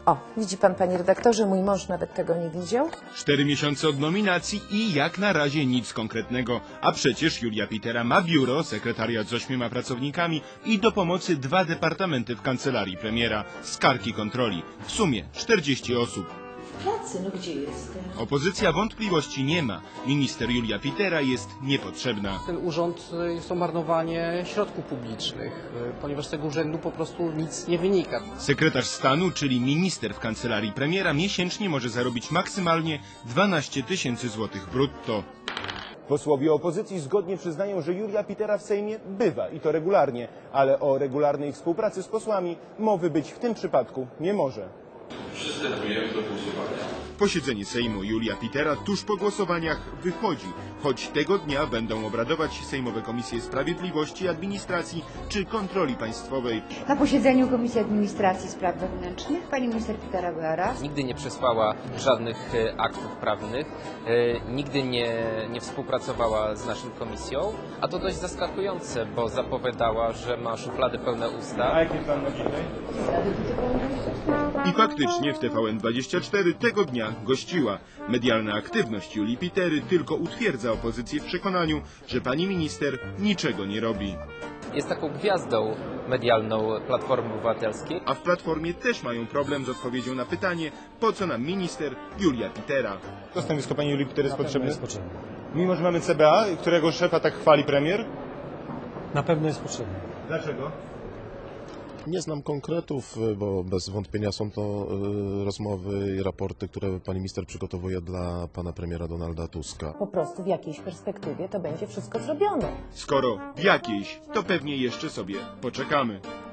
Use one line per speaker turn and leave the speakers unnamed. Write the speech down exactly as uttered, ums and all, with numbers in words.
O, widzi pan, panie redaktorze, mój mąż nawet tego nie widział.
Cztery miesiące od nominacji i jak na razie nic konkretnego. A przecież Julia Pitera ma biuro, sekretariat z ośmioma pracownikami i do pomocy dwa departamenty w kancelarii premiera, skargi kontroli. W sumie czterdzieści osób.
W pracy, no gdzie jestem?
Opozycja wątpliwości nie ma. Minister Julia Pitera jest niepotrzebna.
Ten urząd jest to marnowanie środków publicznych, ponieważ z tego urzędu po prostu nic nie wynika.
Sekretarz stanu, czyli minister w kancelarii premiera, miesięcznie może zarobić maksymalnie dwanaście tysięcy złotych brutto.
Posłowie opozycji zgodnie przyznają, że Julia Pitera w Sejmie bywa i to regularnie, ale o regularnej współpracy z posłami mowy być w tym przypadku nie może.
Przystępujemy do głosowania.
Posiedzenie Sejmu Julia Pitera tuż po głosowaniach wychodzi, choć tego dnia będą obradować sejmowe komisje Sprawiedliwości, Administracji czy Kontroli Państwowej.
Na posiedzeniu Komisji Administracji i Spraw Wewnętrznych pani minister Pitera była raz.
Nigdy nie przesłała żadnych e, aktów prawnych, e, nigdy nie, nie współpracowała z naszą komisją, a to dość zaskakujące, bo zapowiadała, że ma szuflady pełne usta.
A jaki plan na dzisiaj?
I faktycznie w T V N dwadzieścia cztery tego dnia gościła. Medialna aktywność Julii Pitery tylko utwierdza opozycję w przekonaniu, że pani minister niczego nie robi.
Jest taką gwiazdą medialną Platformy Obywatelskiej.
A w Platformie też mają problem z odpowiedzią na pytanie, po co nam minister Julia Pitera.
To stanowisko pani Julii Pitery jest potrzebne?
jest potrzebny.
Mimo, że mamy C B A, którego szefa tak chwali premier?
Na pewno jest potrzebny.
Dlaczego?
Nie znam konkretów, bo bez wątpienia są to y, rozmowy i raporty, które pani minister przygotowuje dla pana premiera Donalda Tuska.
Po prostu w jakiejś perspektywie to będzie wszystko zrobione.
Skoro w jakiejś, to pewnie jeszcze sobie poczekamy.